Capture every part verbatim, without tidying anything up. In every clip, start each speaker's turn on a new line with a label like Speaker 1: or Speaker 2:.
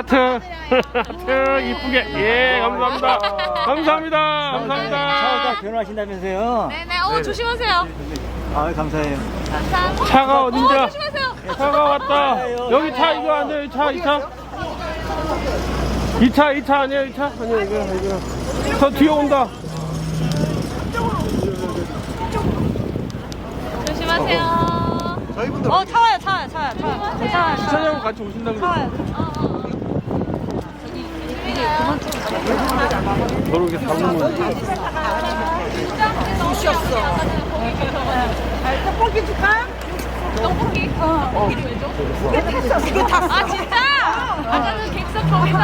Speaker 1: 하트. 하트 이쁘게. 예, 감사합니다. 감사합니다. 감사합니다.
Speaker 2: 차가 변호하신다면서요?
Speaker 3: 네네. 어 조심하세요.
Speaker 2: 아, 감사해요.
Speaker 3: 감사합니다.
Speaker 1: 차가 어딘지.
Speaker 3: 어, 조심하세요.
Speaker 1: 차가 왔다. 여기 차 이거 아니에요? 이 차, 이 차. 이 차, 이 차 아니에요? 이 차? 아니에요, 이거, 이거. 저 뒤에 온다.
Speaker 3: 조심하세요.
Speaker 4: 어, 차와요, 차와요, 차와요, 차와요. 차와요.
Speaker 1: 주차장 같이 오신다 그랬어. 저로 이렇게 잡으면.
Speaker 3: 옷이 없어.
Speaker 4: 떡볶이 줄까?
Speaker 3: 떡볶이? 어.
Speaker 4: 두개 탔어, 두개 탔어.
Speaker 3: 아 진짜? 아까는 객석 거기서.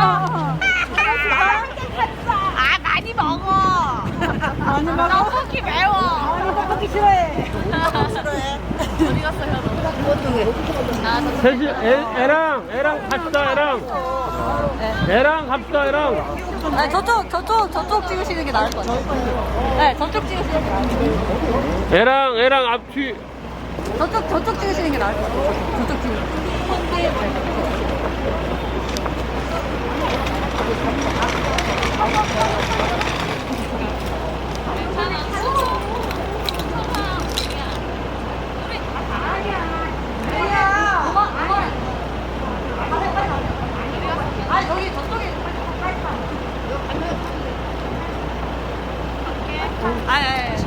Speaker 3: 아 많이 먹어.
Speaker 4: 많이 먹어?
Speaker 3: 떡볶이 매워.
Speaker 4: 아니, 떡볶이 싫어해.
Speaker 3: 싫어해. 어디 갔어요 너? 아, 저
Speaker 1: 셋이, 애, 애랑, 애랑 갑시다, 애랑. 애랑 갑시다, 애랑.
Speaker 4: 아, 저쪽, 저쪽, 저쪽 찍으시는 게 나을 것 같아요. 네, 저쪽 찍으시는 게 나을 것 같아요.
Speaker 1: 애랑, 애랑 앞뒤.
Speaker 4: 저쪽, 저쪽 찍으시는 게 나을 것 같아요. 저쪽 찍으시는 아, 여기 저쪽에.
Speaker 3: 아, 예, 예.